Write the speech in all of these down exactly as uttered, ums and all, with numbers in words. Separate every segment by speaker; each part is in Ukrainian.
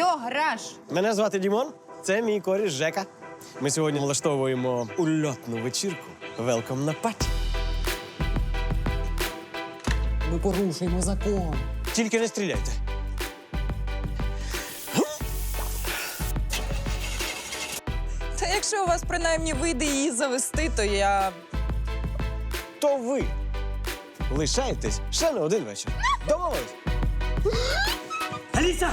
Speaker 1: програш.
Speaker 2: Мене звати Дімон, це мій коріш Жека. Ми сьогодні влаштовуємо ульотну вечірку. Велком на паті.
Speaker 3: Ми порушуємо закон.
Speaker 2: Тільки не стріляйте.
Speaker 1: Та якщо у вас принаймні вийде її завести, то я...
Speaker 2: То ви лишаєтесь ще на один вечір. Домовились?
Speaker 4: Аліса!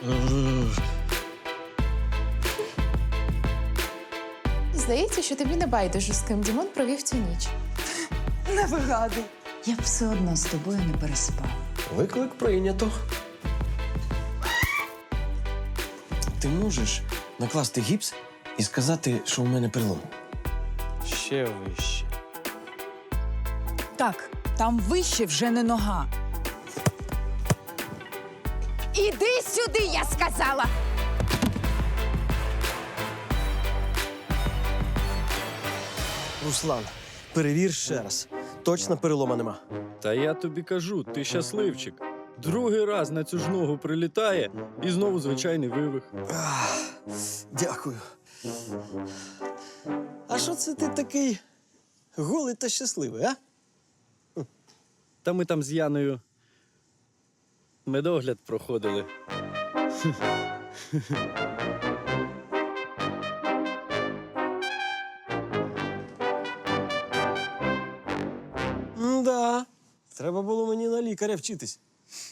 Speaker 5: Здається, що тобі не байдуже, з ким Дімон провів цю ніч.
Speaker 1: Не вигадуй.
Speaker 6: Я б все одно з тобою не переспала.
Speaker 2: Виклик прийнято. Ти можеш накласти гіпс і сказати, що у мене перелом? Ще вище.
Speaker 1: Так, там вище вже не нога.
Speaker 5: Іди сюди, я сказала!
Speaker 2: Руслан, перевір ще раз. Точно перелома нема.
Speaker 7: Та я тобі кажу, ти щасливчик. Другий раз на цю ж ногу прилітає і знову звичайний вивих.
Speaker 2: Ах, дякую. А що це ти такий голий та щасливий, а?
Speaker 7: Та ми там з Яною медогляд проходили.
Speaker 2: М-да. Треба було мені на лікаря вчитись.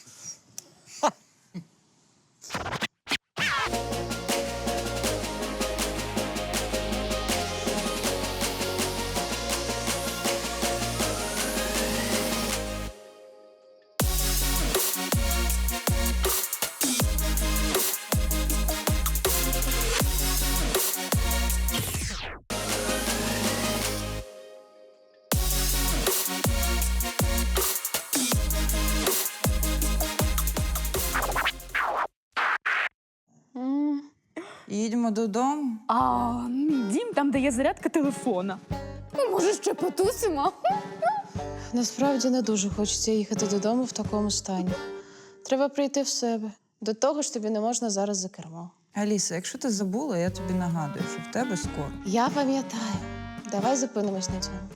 Speaker 1: Їдемо додому.
Speaker 8: А, дім там, де є зарядка телефона.
Speaker 5: Ну, може, ще потусимо? Насправді не дуже хочеться їхати додому в такому стані. Треба прийти в себе. До того ж тобі не можна зараз за кермо.
Speaker 1: Аліса, якщо ти забула, я тобі нагадую, що в тебе скоро.
Speaker 5: Я пам'ятаю. Давай зупинимось на цьому.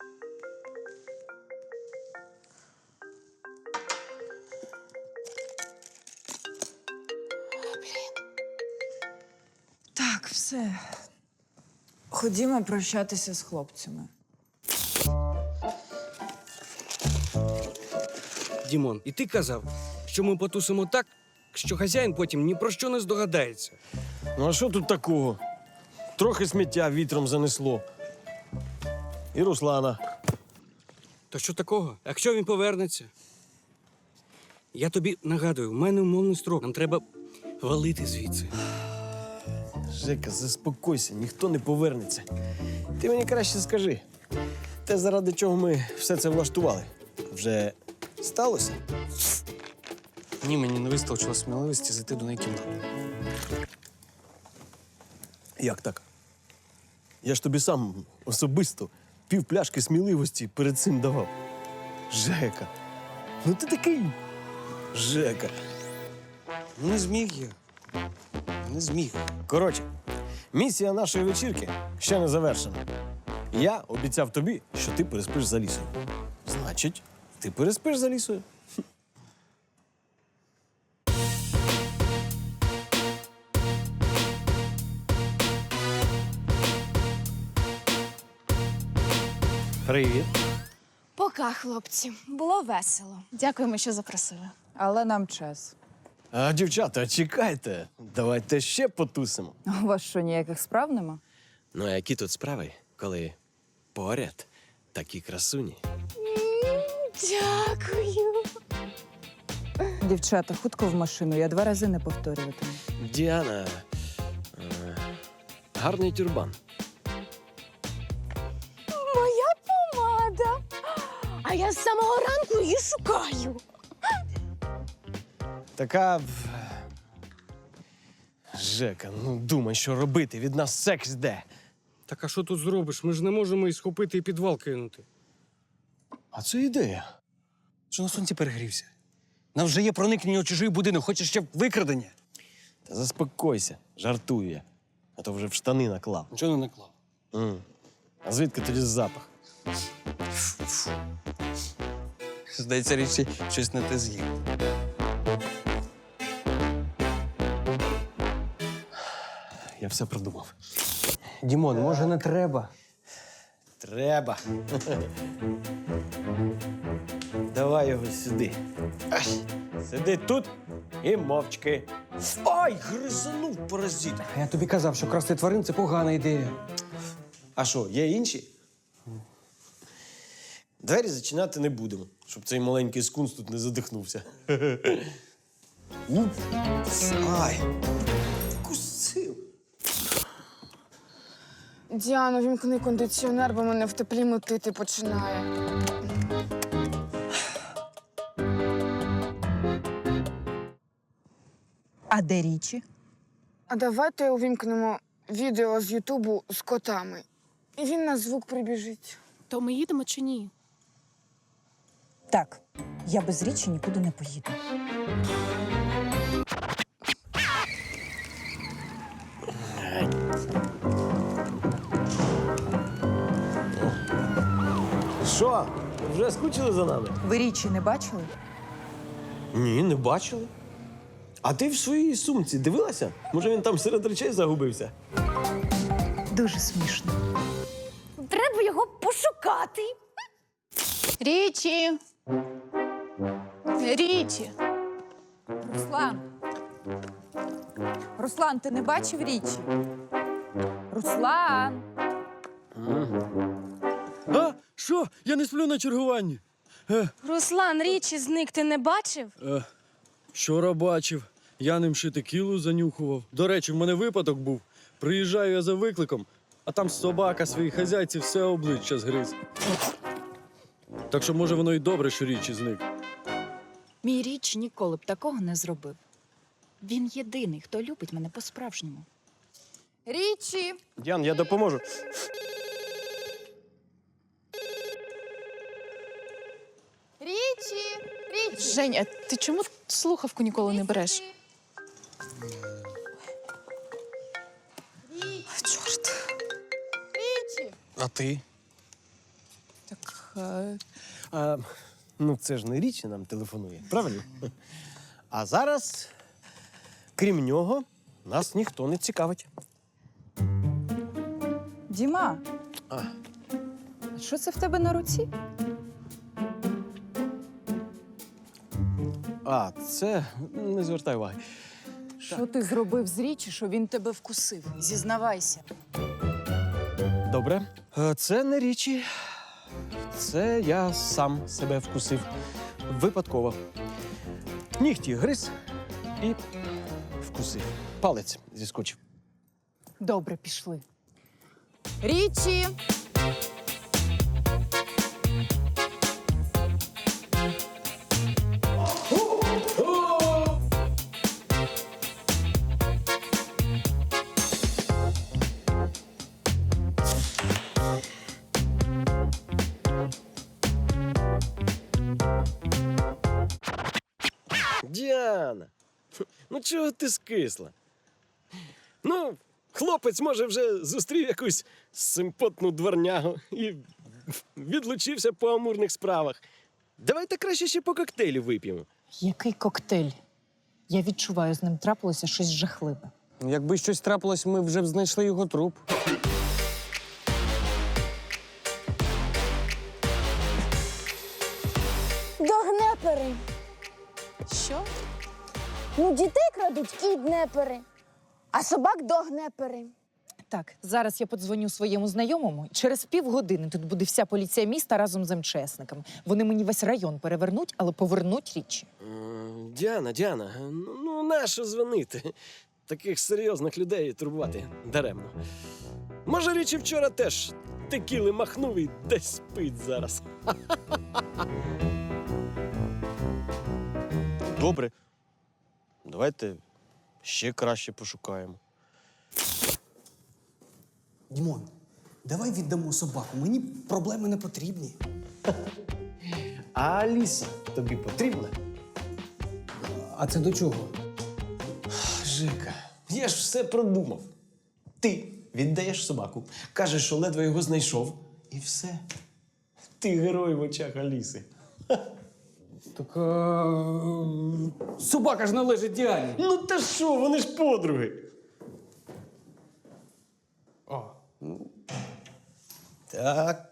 Speaker 1: Так, все. Ходімо прощатися з хлопцями.
Speaker 4: Дімон, і ти казав, що ми потусимо так, що хазяїн потім ні про що не здогадається.
Speaker 2: Ну а що тут такого? Трохи сміття вітром занесло. І Руслана.
Speaker 4: То що такого? Якщо він повернеться? Я тобі нагадую, в мене умовний строк. Нам треба валити звідси.
Speaker 2: Жека, заспокойся, ніхто не повернеться. Ти мені краще скажи, те, заради чого ми все це влаштували, вже сталося?
Speaker 3: Ні, мені не вистачило сміливості зайти до неї кімнати.
Speaker 2: Як так? Я ж тобі сам особисто пів пляшки сміливості перед цим давав. Жека, ну ти такий Жека.
Speaker 4: Не зміг я. Не зміг.
Speaker 2: Коротше, місія нашої вечірки ще не завершена. Я обіцяв тобі, що ти переспиш за лісою. Значить, ти переспиш за лісою. Привіт.
Speaker 5: Пока, хлопці. Було весело. Дякуємо, що запросили.
Speaker 1: Але нам час.
Speaker 2: А, дівчата, чекайте. Давайте ще потусимо.
Speaker 1: У вас що, ніяких справ нема?
Speaker 2: Ну, а які тут справи, коли поряд такі красуні?
Speaker 5: Дякую.
Speaker 1: Дівчата, хутко в машину, я два рази не повторюватиму.
Speaker 2: Діана, е, гарний тюрбан.
Speaker 5: Моя помада. А я з самого ранку її шукаю.
Speaker 2: Така. Жека, ну думай, що робити. Від нас секс йде.
Speaker 4: Так а що тут зробиш? Ми ж не можемо і схопити і підвал кинути.
Speaker 2: А це ідея.
Speaker 3: Що на сонці перегрівся? Нам вже є проникнення у чужий будинок, хочеш ще викрадення?
Speaker 2: Та заспокойся, жартую я. А то вже в штани наклав.
Speaker 3: Нічого не наклав.
Speaker 2: М. А звідки тоді запах?
Speaker 3: Здається, річі щось не те з'їв.
Speaker 2: Я все продумав.
Speaker 3: Дімон, може не треба?
Speaker 2: Треба. Давай його сюди. Ай, сиди тут і мовчки. Ай, гризанув паразит.
Speaker 3: Я тобі казав, що красти тварин це погана ідея.
Speaker 2: А що, є інші? Двері зачиняти не будемо, щоб цей маленький скунс тут не задихнувся. Уп. Ай, кусив.
Speaker 9: Діано, вімкни кондиціонер, бо мене в теплі мутити починає.
Speaker 6: А де річі?
Speaker 9: А давайте увімкнемо відео з Ютубу з котами. І він на звук прибіжить.
Speaker 8: То ми їдемо чи ні?
Speaker 6: Так, я без річі нікуди не поїду.
Speaker 2: Що, вже скучили за нами?
Speaker 6: Ви річі не бачили?
Speaker 2: Ні, не бачили. А ти в своїй сумці дивилася? Може, він там серед речей загубився?
Speaker 6: Дуже смішно.
Speaker 8: Треба його пошукати.
Speaker 5: Річі! Річі!
Speaker 6: Руслан! Руслан, ти не бачив річі? Руслан!
Speaker 7: А? Що? Я не сплю на чергуванні. Е,
Speaker 8: Руслан, річі зник, ти не бачив?
Speaker 7: е, вчора бачив. Я ним ще текілу занюхував. До речі, в мене випадок був. Приїжджаю я за викликом, а там собака своїй хазяйці все обличчя згриз. Так що, може, воно й добре, що річі зник.
Speaker 10: Мій річ ніколи б такого не зробив. Він єдиний, хто любить мене по-справжньому.
Speaker 6: Річі!
Speaker 2: Діан, я допоможу.
Speaker 6: Річі! Річі!
Speaker 5: Женя, ти чому слухавку ніколи не береш? Чорт.
Speaker 6: Річі!
Speaker 3: А ти?
Speaker 5: Так, е,
Speaker 2: А, ну, це ж не річі нам телефонує, правильно? А зараз, крім нього, нас ніхто не цікавить.
Speaker 6: Діма!
Speaker 2: А.
Speaker 6: А що це в тебе на руці?
Speaker 2: А, це не звертай уваги.
Speaker 6: Що ти зробив з річі, що він тебе вкусив? Зізнавайся.
Speaker 2: Добре. Е, Це не річі. Це я сам себе вкусив. Випадково. Нігті гриз і вкусив. Палець зіскочив.
Speaker 6: Добре, пішли. Річі!
Speaker 2: Діана, ну чого ти скисла? Ну, хлопець, може, вже зустрів якусь симпотну дворнягу і відлучився по амурних справах. Давайте краще ще по коктейлю вип'ємо.
Speaker 6: Який коктейль? Я відчуваю, з ним трапилося щось жахливе.
Speaker 3: Якби щось трапилось, ми вже б знайшли його труп.
Speaker 11: Догнепери.
Speaker 5: що?
Speaker 11: Ну, дітей крадуть кіднепери, а собак догнепери.
Speaker 6: Так, зараз я подзвоню своєму знайомому. Через півгодини тут буде вся поліція міста разом з МЧСниками. Вони мені весь район перевернуть, але повернуть річі.
Speaker 2: М, Діана, Діана, ну, ну нащо дзвонити? Таких серйозних людей турбувати даремно. Може, річі вчора теж текіли махнув і десь спить зараз. Добре. Давайте ще краще пошукаємо.
Speaker 12: Дімон, давай віддамо собаку. Мені проблеми не потрібні.
Speaker 2: А Аліса тобі потрібна?
Speaker 12: А це до чого?
Speaker 2: Жека, я ж все продумав. Ти віддаєш собаку, кажеш, що ледве його знайшов, і все. Ти герой в очах Аліси.
Speaker 4: Так а... собака ж належить Діані.
Speaker 2: Ну та що, вони ж подруги.
Speaker 4: О.
Speaker 2: Так.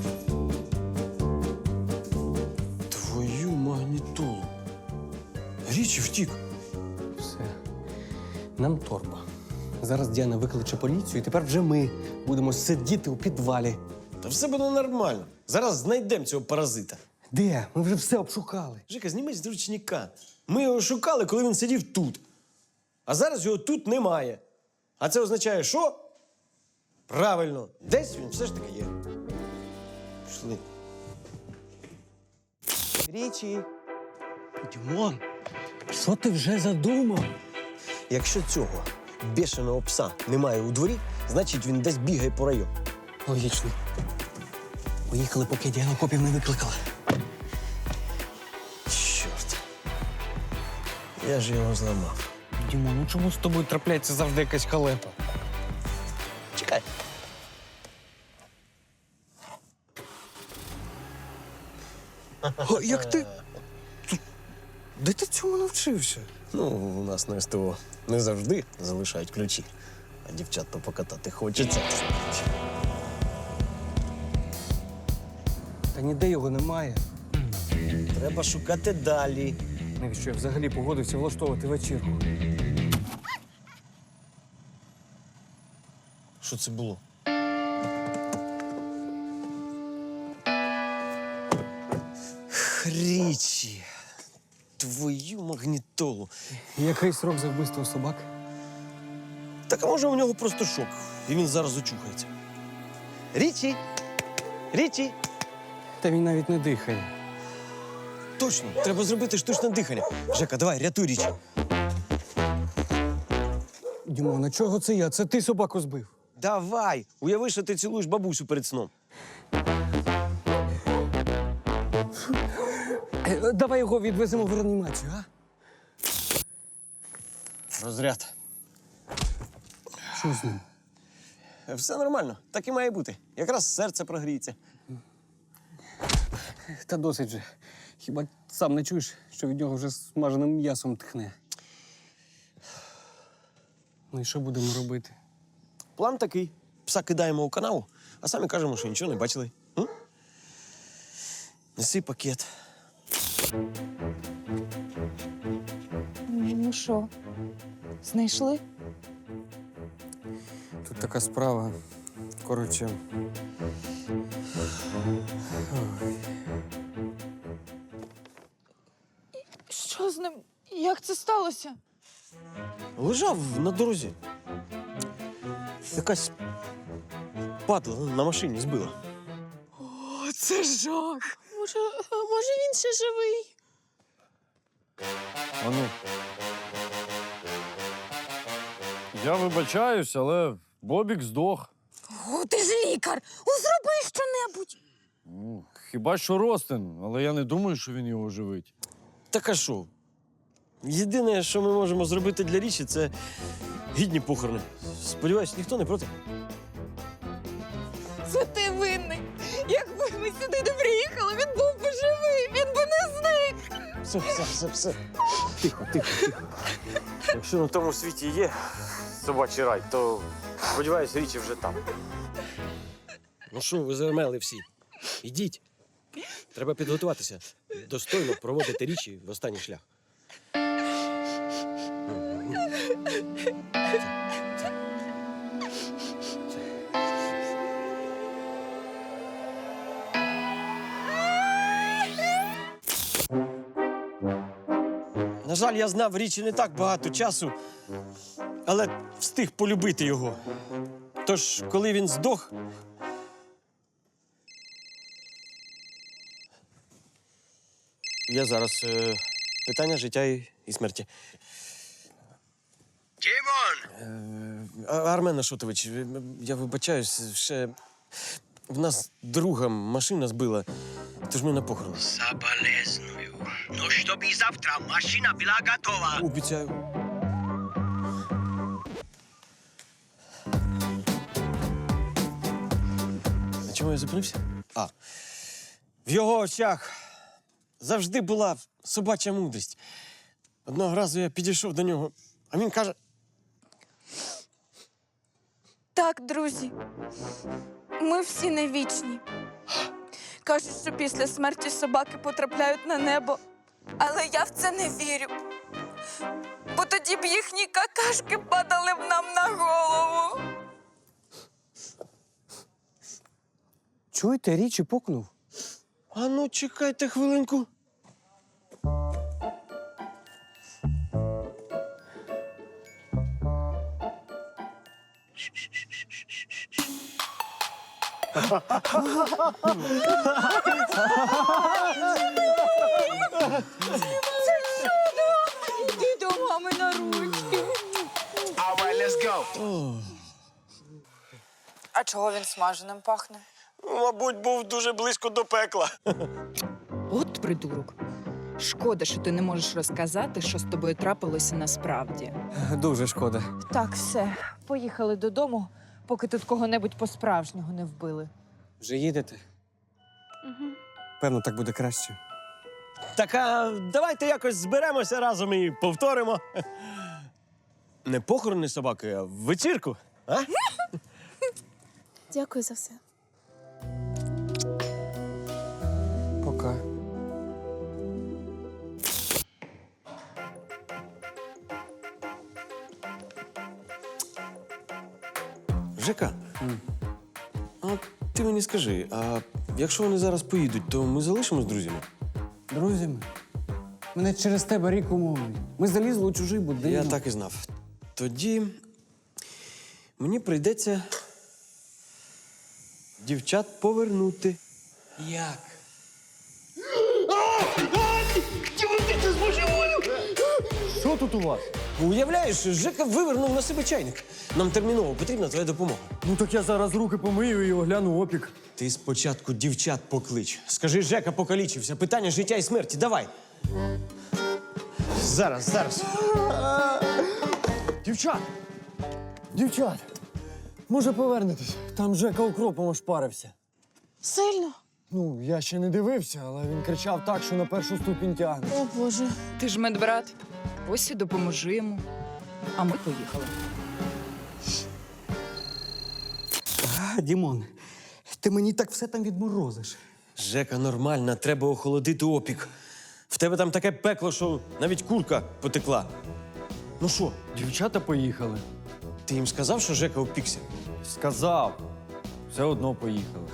Speaker 2: Твою магнітолу. Річі втік.
Speaker 4: Все. Нам торба. Зараз Діана викличе поліцію, і тепер вже ми будемо сидіти у підвалі.
Speaker 2: Та все буде нормально. Зараз знайдемо цього паразита.
Speaker 4: Де? Ми вже все обшукали.
Speaker 2: Жека, знімай з ручника. Ми його шукали, коли він сидів тут. А зараз його тут немає. А це означає, що? Правильно, десь він все ж таки є. Пішли.
Speaker 12: Річі,
Speaker 4: Дімон, що ти вже задумав?
Speaker 2: Якщо цього бешеного пса немає у дворі, значить він десь бігає по району.
Speaker 4: Логічно. Поїхали, поки Діана копів не викликала.
Speaker 2: Чорт. Я ж його зламав.
Speaker 4: Дімон, ну чому з тобою трапляється завжди якась халепа?
Speaker 2: Чекай.
Speaker 4: О, як ти? Де ти цьому навчився?
Speaker 2: Ну, у нас на СТО не завжди залишають ключі, а дівчат то покатати хочеться.
Speaker 4: Та ніде його немає.
Speaker 2: Треба шукати далі.
Speaker 4: Навіщо я взагалі погодився влаштовувати вечірку?
Speaker 2: Що це було? Річі. Твою магнітолу.
Speaker 4: Який срок за вбивство собак?
Speaker 2: Так а може у нього просто шок, і він зараз очухається. Річі! Річі!
Speaker 4: Та він навіть не дихає.
Speaker 2: Точно, треба зробити штучне дихання. Жека, давай, рятуй Річі.
Speaker 4: Дімон, а чого це я? Це ти собаку збив.
Speaker 2: Давай! Уяви, що ти цілуєш бабусю перед сном.
Speaker 4: Е, Давай його відвеземо в реанімацію, а?
Speaker 2: Розряд.
Speaker 4: Що з ним?
Speaker 2: Все нормально, так і має бути. Якраз серце прогріється.
Speaker 4: Та досить же. Хіба сам не чуєш, що від нього вже смаженим м'ясом тхне? Ну і що будемо робити?
Speaker 2: План такий. Пса кидаємо у канаву, а самі кажемо, що нічого не бачили. М? Неси пакет.
Speaker 6: Ну що, знайшли?
Speaker 4: Тут така справа. Коротше.
Speaker 6: Що з ним? Як це сталося?
Speaker 2: Лежав на дорозі. Якась падла на машині збила.
Speaker 6: О, це жах.
Speaker 5: Може, а може він ще живий?
Speaker 7: Ану. Я вибачаюсь, але Бобік здох.
Speaker 11: О, ти ж лікар! О, зроби щонебудь!
Speaker 7: Ну, хіба що Ростин, але я не думаю, що він його живить.
Speaker 2: Так а що? Єдине, що ми можемо зробити для Річі, це гідні похорони. Сподіваюсь, ніхто не проти.
Speaker 6: Це ти винний. Якби ми сюди не приїхали, він був би живий, він би не зник.
Speaker 2: Все, все, все, все. Тихо, тихо, тихо. Якщо на тому світі є собачий рай, то, сподіваюсь, Річі вже там. Ну що, ви зармели всі? Ідіть. Треба підготуватися. Достойно проводити Річі в останній шлях. На жаль, я знав Річі не так багато часу, але встиг полюбити його. Тож, коли він здох, я зараз е, питання життя і, і смерті. Тімон! Е, Армен Ашотович, е, я вибачаюсь, ще в нас друга машина збила, тож ми на похорон.
Speaker 13: Соболезную. Но чтобы завтра машина была готова.
Speaker 2: Обіцяю. чому я зупинився? А. В його очах завжди була собача мудрість. Одного разу я підійшов до нього, а він каже:
Speaker 8: Так, друзі, ми всі не вічні. Кажуть, що після смерті собаки потрапляють на небо. Але я в це не вірю. Бо тоді б їхні какашки падали б нам на голову.
Speaker 12: Чуєте, річі пукнув.
Speaker 2: а ну, чекайте хвилинку.
Speaker 6: Іди до мами на ручки.
Speaker 1: А чого він смаженим пахне?
Speaker 2: Мабуть, був дуже близько до пекла.
Speaker 10: От придурок. Шкода, що ти не можеш розказати, що з тобою трапилося насправді.
Speaker 12: Дуже шкода.
Speaker 6: Так, все, поїхали додому, поки тут кого-небудь по-справжнього не вбили.
Speaker 12: Вже їдете?
Speaker 8: Угу.
Speaker 12: Певно, так буде краще.
Speaker 2: Так, а давайте якось зберемося разом і повторимо. Не похорони собаки, а вечірку. А?
Speaker 8: Дякую за все.
Speaker 12: Пока.
Speaker 2: Жека, а ти мені скажи, а якщо вони зараз поїдуть, то ми залишимось друзями?
Speaker 12: Друзями, мене через тебе рік умовлюють. Ми залізли у чужий будинок.
Speaker 2: Я так і знав. Тоді мені прийдеться дівчат повернути.
Speaker 12: Як?
Speaker 7: Що тут у вас?
Speaker 2: Уявляєш, Жека вивернув на себе чайник. Нам терміново потрібна твоя допомога.
Speaker 7: Ну так я зараз руки помию і огляну опік.
Speaker 2: Ти спочатку дівчат поклич. Скажи, Жека покалічився. Питання життя і смерті. Давай. Зараз, зараз.
Speaker 7: Дівчат! Дівчат! Може повернетесь? Там Жека укропом ошпарився.
Speaker 5: Сильно?
Speaker 7: Ну, я ще не дивився, але він кричав так, що на першу ступінь тягне.
Speaker 5: О, Боже.
Speaker 10: Ти ж медбрат. Ось і допоможи йому. А ми поїхали.
Speaker 12: А, Дімон, ти мені так все там відморозиш.
Speaker 2: Жека, нормально, треба охолодити опік. В тебе там таке пекло, що навіть курка потекла. Ну що,
Speaker 7: Дівчата поїхали.
Speaker 2: ти їм сказав, що Жека опікся?
Speaker 7: Сказав. Все одно поїхали.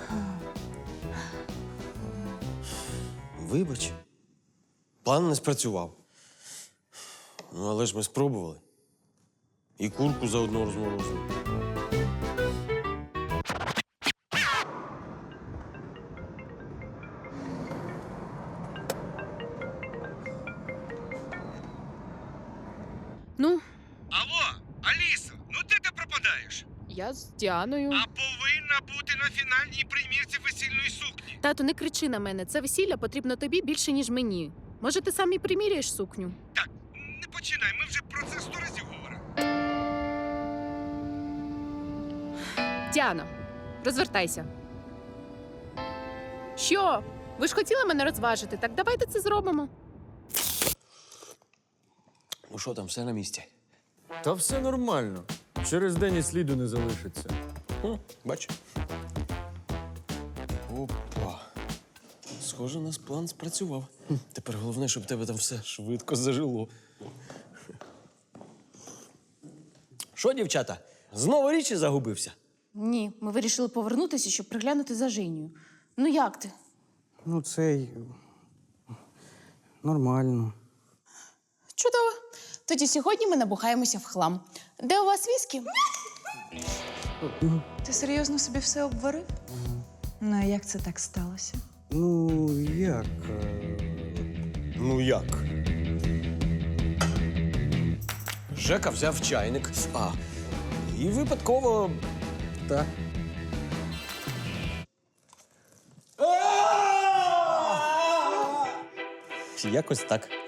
Speaker 2: Вибач. План не спрацював. Ну, але ж ми спробували. І курку заодно розморозили.
Speaker 8: Ну,
Speaker 4: Алло, Алісо, ну де ти пропадаєш?
Speaker 8: я з Діаною.
Speaker 4: А повинна бути на фінальній примірці весільної сукні.
Speaker 8: Тату, не кричи на мене. Це весілля потрібно тобі більше, ніж мені. Може, ти сам і приміряєш сукню?
Speaker 4: Так, не починай, ми вже про це сто разів говорили.
Speaker 8: Діано, розвертайся. Що? Ви ж хотіли мене розважити, так давайте це зробимо.
Speaker 2: Ну що там, все на місці?
Speaker 7: Та все нормально. Через день і сліду не залишиться.
Speaker 2: О, бач. Опа. Схоже, у нас план спрацював. Тепер головне, щоб в тебе там все швидко зажило. Що, дівчата, знову річі загубився?
Speaker 5: Ні, ми вирішили повернутися, щоб приглянути за Женю. Ну як ти?
Speaker 12: Ну, це й нормально.
Speaker 5: Чудово. Тоді сьогодні ми набухаємося в хлам. Де у вас віскі?
Speaker 1: Ти серйозно собі все обварив? Ну, а як це так сталося?
Speaker 12: Ну, як? е,
Speaker 2: Ну як? Жека взяв чайник, а, і випадково.
Speaker 12: Так.
Speaker 2: Якось так.